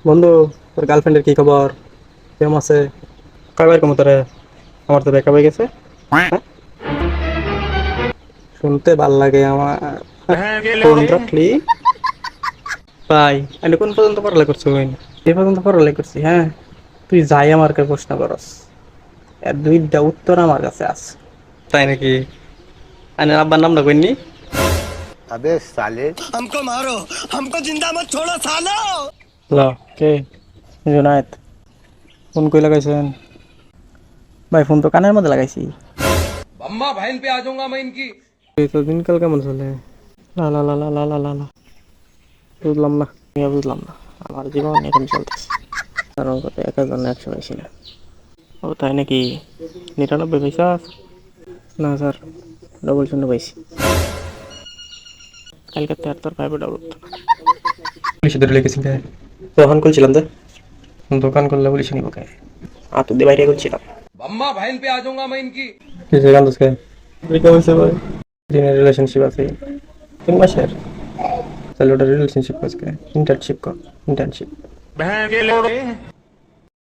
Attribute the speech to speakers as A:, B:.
A: বন্ধু, তোর গার্লফ্রেন্ডের কি খবর? কেমন আছে? কাবার কেমন তোরে? আমার তো ব্রেকআপ হয়ে গেছে। হ্যাঁ, শুনতে ভাল লাগে আমার। ফোন রাখলি ভাই। আমি কোন পর্যন্ত পড়ালেখা করছি? এই পর্যন্ত পড়ালেখা করছি, হ্যাঁ। তুই যাই আমাকে প্রশ্ন করস, এর দুইটা উত্তর আমার কাছে আছে। তাই নাকি? আনে আব্বার নাম না কইনি।
B: अबे साले।
A: ল, কে? জুনায়েদ। ফোন কই লাগাইছেন? ভাই ফোন তো কানের মধ্যে লাগাইছি।
C: अम्मा बहन पे आ जाऊंगा मैं इनकी।
A: এই তো দিনকাল কেমন চলে? লা লা লা লা লা লা লা লা। বুঝলাম না, আমিও বুঝলাম না। আমার জীবন এখন চলতেছে, কারণ কত একা জন্য একশো বেশি না। ও তাই নাকি? 99 পয়সা? না স্যার, ডবল শূন্য পাইছি। কালকে তো আর তোর পাইবে ডবল তো না। পুলিশে ধরে লেগেছি কে? দোকান খুলছিলাম তো। দোকান করলে পুলিশে নিব কে? তো দিয়ে বাইরে খুলছিলাম।
C: अम्मा बहन पे आ जाऊंगा मैं इनकी।
A: কিসে কান্দছ কে? ব্রেকআপ হয়েছে ভাই। দিনের রিলেশনশিপ আছে 3 মাসের। তাহলে ওটা রিলেশনশিপ কাজ কে? ইন্টার্নশিপ কর, ইন্টার্নশিপ।